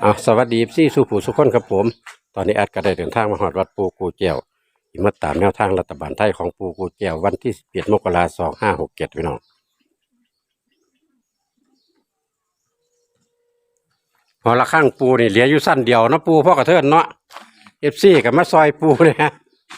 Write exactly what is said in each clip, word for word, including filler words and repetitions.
อ่าสวัสดีพี่สุผู้สุขคนครับผมตอนนี้แอดก็ได้เดินทางมาหอดวัดปูกูเจียวที่มาตามแนวทางรัฐบาลไทยของปูกูเจียววันที่สิบเอ็ดมกราคมสองห้าหกเจ็ดพี่น้องพอละข้างปูนี่เหลืออยู่สั้นเดียวเนาะปูพ่อกระเทินเนาะเอฟซีกับมาซอยปูเนี่ยฮะ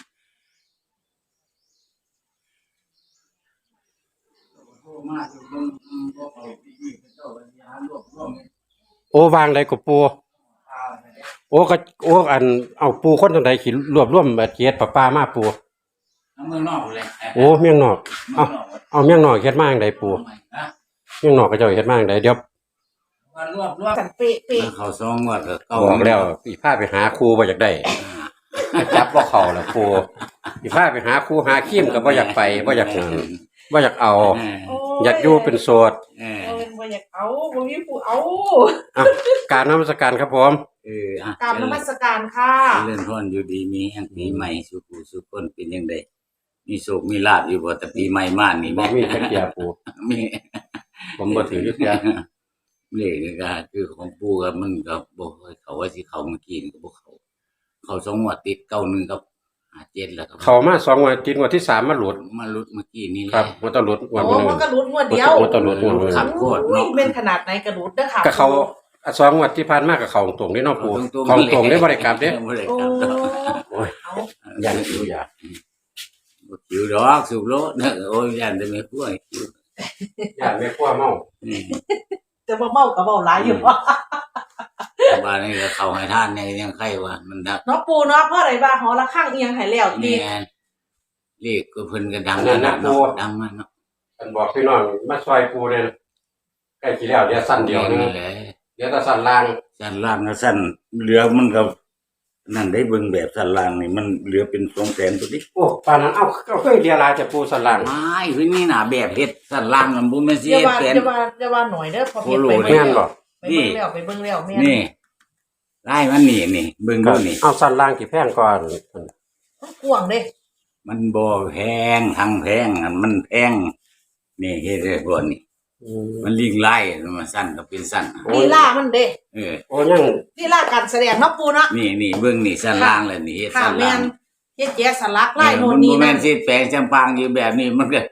โอ้วางใดกับปูโอ้ก็โอ้อันเอาปูคนตรงใดขีดรวบรวมเกียรติปลาปลามาปูเมืองนอกเลยโอ้เมียงนอกเอาเอาเมียงนอกเฮ็ดมาจั่งใดปูเมียงนอกก็เจ้าเฮ็ดมาจั่งใดเดี๋ยวรวบรวบกันเป๊ะเป๊ะเขาซองว่าก็เก่าบอกแล้วอีพาไปหาครูบ่อยากได้จับบ่เข้าล่ะครูอีพาไปหาครูหาคิมก็บ่อยากไปบ่อยากนั่นบ่อยากเอาอยากอยู่เป็นโสดเออบ่อยากเอาบ่มีผู้เอาอ่ะการนมัสการครับผมเอออ่ะกราบนมัสการค่ะเลื่อนพ้นอยู่ดีมีแห่งปีใหม่สุขุสุขคนเป็นจังได๋มีโชคมีลาภอยู่บ่แต่ปีใหม่มานี่บ่มีจักเที่ยปู่มีผมบ่ถือจักเที่ยเลขก็คือของปู่ก็มันก็บ่ค่อยเข้าว่าสิเข้าเมื่อกี้ก็บ่เข้าเข้าสองงวดติดเก้าหนึ่งกับห้าเจ็ดแล้วครับเข้ามาสองงวดติดงวดที่สามมาหลุดมาหลุดเมื่อกี้นี่ครับบ่ต้องหลุดงวดนึงโอ้มันก็หลุดงวดเดียวบ่ต้องหลุดงวดนึงขับโคตรเนาะเป็นขนาดไหนกระดุดเด้อค่ะก็เขาสองงวดที่ผ่านมาก็เข้าตรงนี่เนาะปู่เข้าตรงได้บ่ได้กลับเด้โอ้โอ้ยยันอยู่อย่าบ่คิวดอกสุโลเด้อโอ้ยยันแต่ไม่ป่วยย่านแม่ครัวเมาจะบ่เมาก็เว้าหลายอยู่บ้านนี้ก็เข้าให้ท่านในยังไข้ว่ามันดักเนาะปู่เนาะเพราะอะไรว่าหอละข้างเอียงให้แล้วติเรียกก็เพิ่นก็ดังขนาดเนาะดังมันเนาะเพิ่นบอกพี่น้องมาซอยปู่เนี่ยใกล้สิแล้วเดี๋ยวสั้นเดียวนึงเดี๋ยวถ้าสั้นล่างสั้นล่างก็สั้นเหลือมันก็นั่นได้เบิ่งแบบสั้นล่างนี่มันเหลือเป็นสองแสนตัวนี้โอ้ปานนั้นเอ้าก็เคยเรียลาจะปู่สั้นล่างไม่คือนี่น่ะแบบเฮ็ดสั้นล่างมันบ่แม่นสิเฮ็ดแสนอย่าว่าอย่าว่าหน่อยเด้อพอเฮ็ดไปแม่นบ่ไปเบิ่งแล้วไปเบิ่งแล้วแม่นนี่ลายมันนี่นี่เบิ่งดูนี่เอาสั้นล่างกี่แพงก่อนกว้างเด้มันบ่แพงทางแพงมันแพงนี่เฮ็ดได้บ่นี่มันลิงไล่มันสั้นก็เป็นสั้นลีลามันเด้เออโอ้ยังลีลาการแสดงเนาะปู่เนาะนี่นี่เบิ่งนี่สั้นล่างแล้วนี่สั้นล่างเฮ็ดแยกสลักลายโน่นนี่นั่นบ่แม่นสิแปลงจำปางอยู่แบบนี้มันก็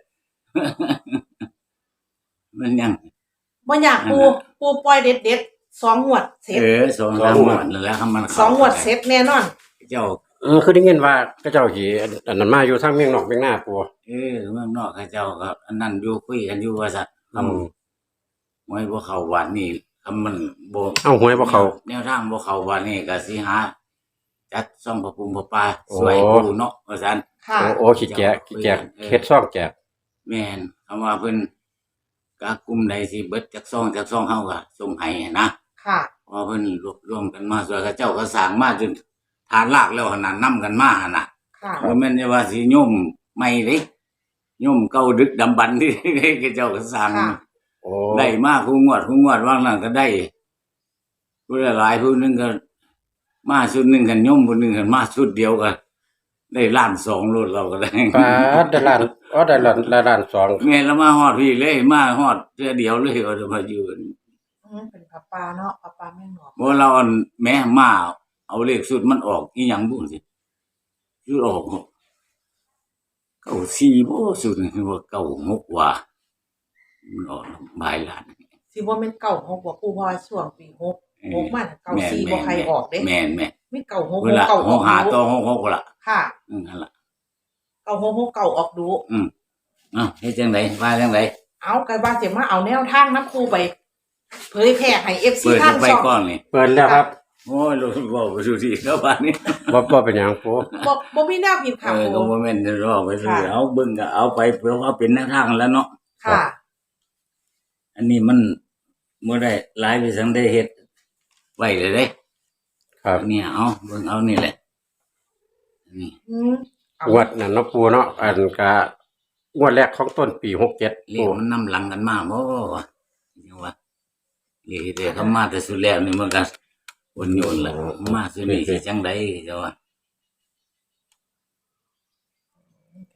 มันยังบ่อยากปู่ปู่ปล่อยเด็ดๆสองงวดเสร็จเออสองสามงวดแล้วมันสองงวดเสร็จแน่นอนเจ้าเออคือได้ยินว่าก็เจ้าสิอันนั้นมาอยู่ทางเมืองนอกเมืองหน้าปู่เออเมืองนอกเขาเจ้าก็อันนั้นอยู่คุยกันอยู่ว่าซั่นคำหวยบ่เข้าวัดนี่คำมันบ่เอ้าหวยบ่เข้าแนวทางบ่เข้าวัดนี่ก็สิหาจัดซ่องพระภูมิพระป่าสวยปู่เนาะว่าซั่นค่ะโอ้ขี้แก่ขี้แก่เฮ็ดซ่องแจกแม่นคำว่าเพิ่นกะกลุ่มใดสิเบิดจักซ่องจักซ่องเฮาก็ส่งให้นะค่ะพอเพิ่นรวบรวมกันมาสวยเขาเจ้าก็สร้างมาจนฐานรากแล้วหั่นน่ะนำกันมาหั่นน่ะค่ะบ่แม่นว่าสิโยมใหม่เด้โยมเก่าดึกดำบรรพ์ที่เขาเจ้าก็สร้างโอ้ได้มาคู่งวดคู่งวดว่างนั้นก็ได้ผู้หลายผู้นึงก็มาชุดนึงกันโยมผู้นึงกันมาชุดเดียวก็ได้ล้านสองโลดเราก็ได้ปาดได้ล้านอ๋อได้ล้านล้านสองแม่นแล้วมาฮอดพี่เลยมาฮอดเทื่อเดียวเลยว่าจะมาอยู่อือเป็นปลาปลาเนาะปลาปลาแม่นบ่บ่เราอันแม่มาเอาเลขสุดมันออกอีหยังบุสิสุดออกเก้าสี่บ่สุดนี่ว่าเก้าหกว่ามันออกหลายล้านสิบ่แม่นเก้าหกบ่ปู่เพราะว่าช่วงปีหก หกมันเก้าสี่บ่ใครออกเด้แม่นๆมีเก้าหกเก้าหกหาต่อหกหกล่ะค่ะอือนั่นล่ะเก้าหกหกเก้าออกดูอืออ้าวเฮ็ดจังได๋ว่าจังได๋เอาก็ว่าสิมาเอาแนวทางนำครูไปเผยแพร่ให้ เอฟ ซี ทางช่องเปิดแล้วครับโอ้ยรู้บ่บ่รู้สิแล้วบัดนี้บ่บ่เป็นหยังปู่บ่บ่มีแนวผิดค่ะเออก็บ่แม่นจะรอไปซื่อเอาเบิ่งก็เอาไปเพื่อว่าเป็นแนวทางแล้วเนาะค่ะอันนี้มันบ่ได้หลายไปสังได้เฮ็ดไว้เลยเด้ครับเนี่ยเอาเบิ่งเอานี่แหละนี่อืมงวดนั่นเนาะปู่เนาะอันก็งวดแรกของต้นปีหกเจ็ดเลขมันนำหลังกันมาบ่ว่าจังว่าเลขที่เขามาแต่สุดแล้วนี่มันก็วนโยนล่ะมาสุดนี่สิจังได๋จ้ะว่า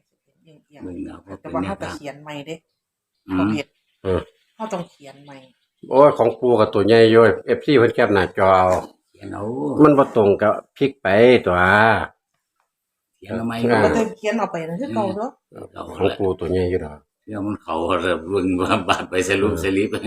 เบิ่งเอาแต่ว่าเฮาต้องเขียนใหม่เด้บ่เฮ็ดเออเฮาต้องเขียนใหม่โอ้ยของปูกับตัวใหญ่อยู่ เอฟ ซี เพิ่นแคปหน้าจอเอาเขียนเอามันบ่ตรงกับพลิกไปตัวเขียนทำไมอ่าก็จะเขียนเอาไปนะคือเก่าเนาะของปูตัวใหญ่อยู่ดอกเดี๋ยวมันเขาเริ่มเบิ่งว่าบาดไปสรุปสลิป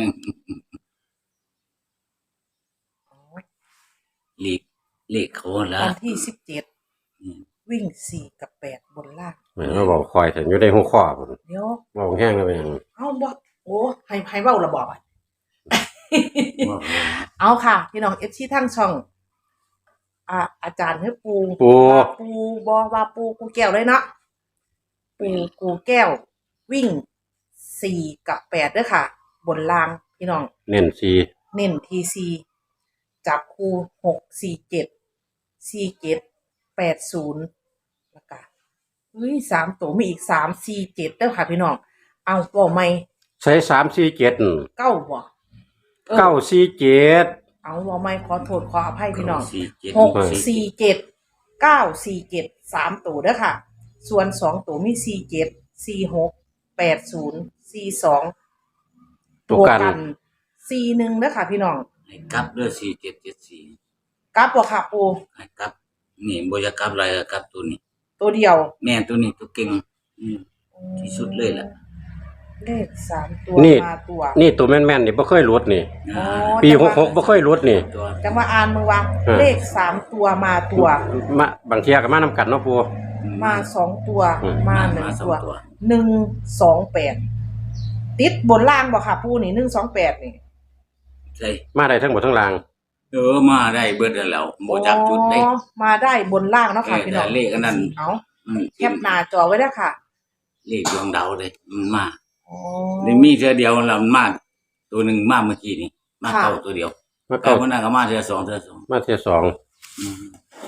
เลขเลขเขาละวันที่สิบเจ็ดอืมวิ่งสี่กับแปดบนล่างแม่นว่าบอกคอยแต่อยู่ในหัวข้อพุ่นเดี๋ยวบอกแห้งแล้วเป็นหยังเอาบ่โอ้ให้ให้เว้าระบอกอ่ะว่าไปนะเอาค่ะ พี่น้องเอฟซีทั้งช่อง อ่า อาจารย์ให้ปูปูว่าปูบอว่าปูกูแก้วเลยเนาะปูกูแก้ว วิ่งสี่กับแปดด้วยค่ะ บนล่างพี่น้องเน้นซีเน้นทีซีจับคู่หกสี่เจ็ดสี่เจ็ดแปดศูนย์แล้วก็เฮ้ยสามตัวมีอีกสามสี่เจ็ดด้วยค่ะพี่น้อง เอาบอกไม่ใช้สาม สี่ เจ็ดเก้าบ่ออเก้า สี่ เจ็ดเอาบอกไม่ขอโทษขออภัยพี่น้องสี่เจ็ดหกสี่เจ็ดเก้าสี่เจ็ดสามตัวเด้อค่ะ ส่วนสองตัวมีสี่เจ็ดสี่หกแปดศูนย์สี่สองตัวกันสี่หนึ่งเด้อค่ะพี่น้องให้กลับด้วยสี่เจ็ดเจ็ดสี่กลับบ่ค่ะปูให้กลับนี่บ่อยากกลับอะไรก็กลับตัวนี้ตัวเดียวแม่ตัวนี้ตัวเก่งอืม ที่สุดเลยล่ะเลขสามตัวนี่มาตัวนี่ตัวแม่นๆนี่บ่เคยหลุดนี่อ๋อปีจังหว่ากหกบ่เคยหลุดนี่ตัวจังว่าอ่านมือว่าอ่าเลขสามตัวมาตัวมาบางเทียก็มานำกันเนาะปูมาสองตัวอืมมาหนึ่งสอตัวตัวหนึ่งสองแปดติดบนล่างบ่ค่ะปูนี่หนึ่งสองแปดนี่ใช่มาได้ทั้งหมดทั้งรางเออมาได้เบิดแล้วบ่จักจุดได้อ๋อมาได้บนล่างเนาะค่ะเออพี่น้องแต่เลขอันนั้นเอาอืมแคปหน้าจอไว้แล้วค่ะเลขดวงดาวเลยมันมาอ๋อนี่มีเทื่อเดียวแล้วมันมาตัวหนึงมาเมื่อกี้นี่มาค่ะเก้าตัวเดียวมาเก้าเก้ามันน่ะก็มาเทื่อสองเทื่อสองมาเทียสองอืม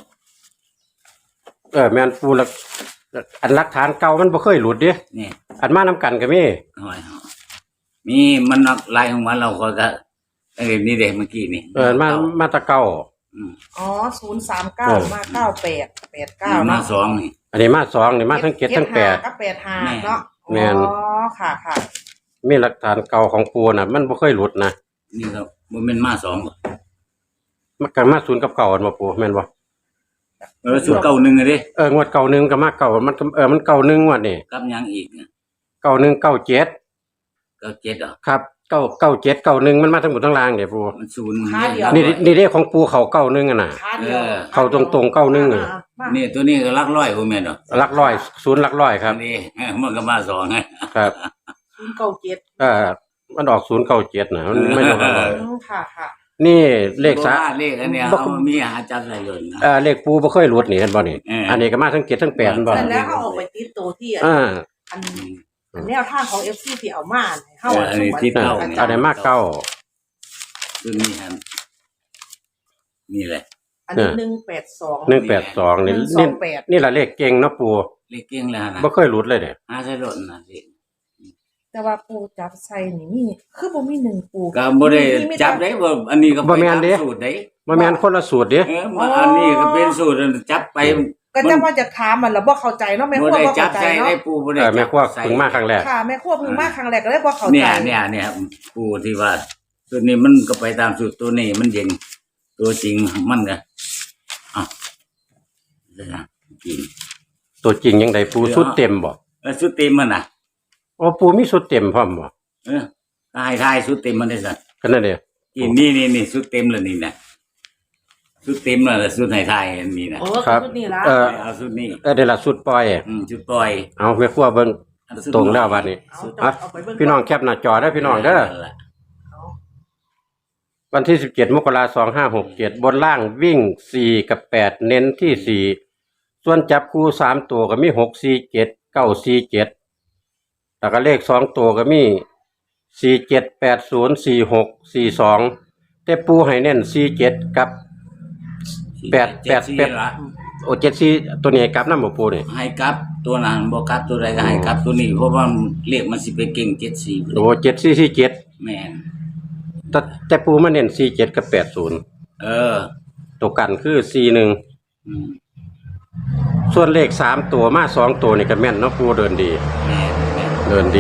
เออแม่นปูละอันหลักฐานเก่ามันบ่เคยหลุดเด้นี่อันมานำกันก็มีเอาไว้เอามีมันนักลายของมันเราก็จะไอ้นี่เด็กเมื่อกี้นี่เออมามาแตะเก่าอืมอ๋อศูนย์สามเก้าเออมาเก้าแปดแปดเก้านี่มาเนาะสองนี่อันนี้มาสองนี่มาทั้งเจ็ดทั้งแปดก็แปดห้าแม่เนาะแม่นอ๋อค่ะค่ะมีหลักฐานเก่าของปูน่ะ มันบ่เคยหลุดนะนี่ก็บ่แม่นมาสองบ่มันก็มาศูนย์กับเก่าอันบ่ปูแม่นบ่เออสุดเก้าหนึ่งอะเด้เอองวดเก่าหนึ่งก็มาเก่ามันก็เออมันเก่าหนึ่งงวดนี่กับหยังอีกเนี่ยเก่าหนึ่งเก่าเจ็ดเก้าเจ็ดเหรอครับเก่าเก่าเจ็ดเก่าหนึ่งมันมาทั้งหมดทั้งรางเนี่ยปูมันศูนย์ขาเดียวนี่นี่เด้ของปูเขาเก่าหนึ่งอ่ะน่ะขาเดียวเออเข้าตรงๆเก้าหนึ่งอะมานี่ตัวนี้ก็หลักร้อยบ่แม่นดอกหลักร้อยศูนย์หลักร้อยครับนี่ มันก็มาสองไงครับศูนย์เก้าเจ็ดเออมันออกศูนย์เก่าเจ็ดนะมันไม่ลงร้อยอืมค่ะค่ะนี่เลขสาบ่ว่าเลขอันเนี้ยบ่เอามีหาจับใส่เลยนะเออเลขปูบ่เคยหลุดนี่เห็นบ่นี่เอออัอันนี้ก็มาทั้งเจ็ดทั้งแปดเห็นบ่แต่แล้วเขาออกไปติดตัวที่อันอ่าอันอันแนวทางของเอฟซีที่เอามาให้เข้าเอออันนี้ที่เออเก้าเอาได้มากเก้าตัวนี้ฮะนี่แหละอันนี้หนึ่งแปดสองหนึ่งแปดสองนี่หนึ่งสอนี่งแปดนี่แหละเลขเก่งเนาะปูเลขเก่งแล้วนะบ่เคยหลุดเลยเด้หาใส่รถนะสิแต่ว่าปูจับใส่นี่มีคือบ่มีหนึ่งปูก็บ่ได้จับได้บ่อันนี้ก็ไปบ่แม่นเด้ตามสูตรได้บ่แม่นคนละสูตรเด้เออมาอันนี้ก็เป็นสูตรจับไปก็จะว่าจะถามมันแล้วบ่เข้าใจเนาะแม่คบ่รัวได้บ่จัเข้าบใจใส่เนาะได้ปูบ่เอได้อแม่ครัวใส่เพิ่งมาครั้งแรกค่ะแม่ครัวเพิ่งมาครั้งแรกก็เลยบ่เข้าใจเนี่ยเนี่ยเนี่ยปูที่ว่าสูตรนี้มันก็ไปตามสูตรตัวนี้มันเย็นตัวจริงมันก็อ่ะเดี๋ยวนะจริงตัวจริงยังไดปูสุดเต็มบ่เออสูตรเต็มมันน่ะโอ้ปูมีสุดเต็มพร้อมบ่เออทายทายสูตรเต็มมันได้สักก็นั่นเด้นี่นี่นี่นี่สูตรเต็มแล้วนี่นะสูตรเต็มแล้วล่ะสูตรไทยไทยอันนี้นะโอ้ครับคือนี่ละเออเอาสูตรนี้เออเดี๋ยวละสุดปล่อยอืมสูตรปล่อยเอาแม่ครัวเบิ่งเอาสูตตรงแล้วบัดนี้เอาอ่ะเอาไปเบิ่งพี่น้องแคปหน้าจอได้อพี่น้องเด้อนั่นแหละเอาวันที่สิบเจ็ดมกราคมสองห้าหกเจ็ดบนล่างวิ่งสี่กับแปดเน้นที่สี่ส่วนจับคู่สามตัวก็มีหกสี่เจ็ดเก้าสี่เจ็ดแล้วก็เลขสองตัวก็มีสี่เจ็ดแปดศูนย์สี่หกสี่สองแต่ปูให้เน้นสี่เจ็ดกับ แปดแปดเจ็แปดสี่ละโอเจ็ดสี่ตัวนี้ให้กลับน้ำบ่ปูนี่ให้กลับตัวนั้นบ่กลับตัวใดก็ให้กลับตัวนี้เพราะว่าเลขมันสิไปเก่งเจ็ดสี่โอ้เจ็ดสี่สี่เจ็ดแม่นแต่แต่ปูมาเน้นสี่เจ็ดกับแปดศูนย์เออตัวกันคือสี่หนึ่งอืมส่วนเลขสามตัวมาสองตัวนี่ก็แม่นเนาะปูเดินดีแม่นแม่นเดินดีแ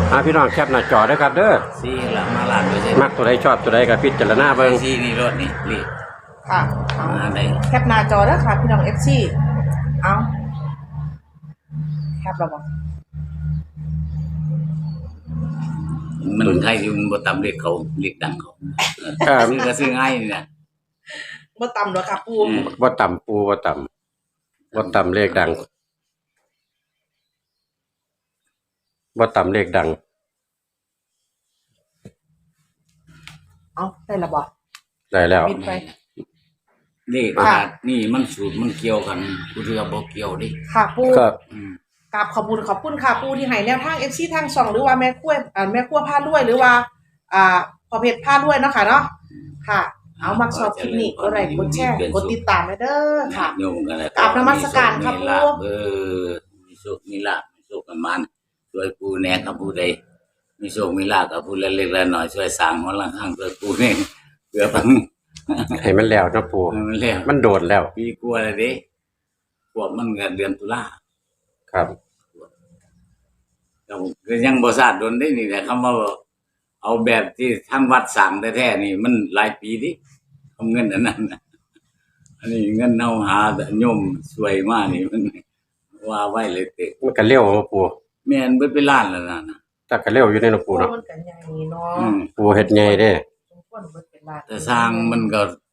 อ่าพี่น้องแคปหน้าจอด้วยครับเด้อสี่ละมาล้านเปอร์เซ็นต์มักตัวใดชอบตัวใดก็พิจารณาเบิ่งสี่นี่รถนี่นี่ค่ะเอามาได้แคปหน้าจอแล้วค่ะ พี่น้องเอฟซีเอาแคปแล้วบ่มันใครอยู่มันบ่ตามเลขเขาเลขดังเขาเออครับซื้อก็ซื้อง่ายนี่นะบ่ต่ำหรอกค่ะปูอืมบ่ต่ำปูบ่ต่ำบ่ต่ำเลขดังบ่ต่ำเลขดังเอาได้และบ่ได้แล้วปิดไปเลขค่ะขาดนี่มันสูตรมันเกี่ยวกันกูเรือบ่เกี่ยวดิค่ะปูครับอืมกราบขอบคุณขอบคุณค่ะปูที่ให้แนวทาง เอฟ ซี ทางช่องหรือว่าแม่ครัวอ่าแม่ครัวพาด้วยหรือว่า อ่าพอเพชรพาด้วยเนาะค่ะเนาะค่ะ เอามักชอบคลิปนี้กดไลค์กดแชร์กดติดตามให้เด้อค่ะโยมกันแล้วกราบนมัสการครับมีลาภปู่เออมีโชคมีลาภมีโชคกันมันช่วยปูแหน่กับผู้ใดมีโชคมีลาภกับผู้เล็กๆน้อยๆช่วยสร้างหัวหลังข้างช่วยปูนี่เพื่อพังให้มันแล้วเนาะปูให้มันแล้วมันโดดแล้วปีกลัวเลยเด้พวกมันก็เดือนตุลาครับก็ยังบ่ทราบโดนได้นี่แหละคำว่าเอาแบบที่ทางวัดสั่งแท้ๆนี่มันหลายปีดิเอาเงินอันนั้นน่ะอันนี้เงินเอาหาโยมสวยมากนี่มันว่าไว้เลยเตะมันก็เร็วเนาะปูแม่นเบิดไปล้านแล้วนะนะแต่ก็เร็วอยู่ในเนาะปูเนาะมันกันใหญ่เนาะอืมปูเฮ็ดใหญ่เด้สมควรเบิดเป็นล้านแต่สร้างมันก็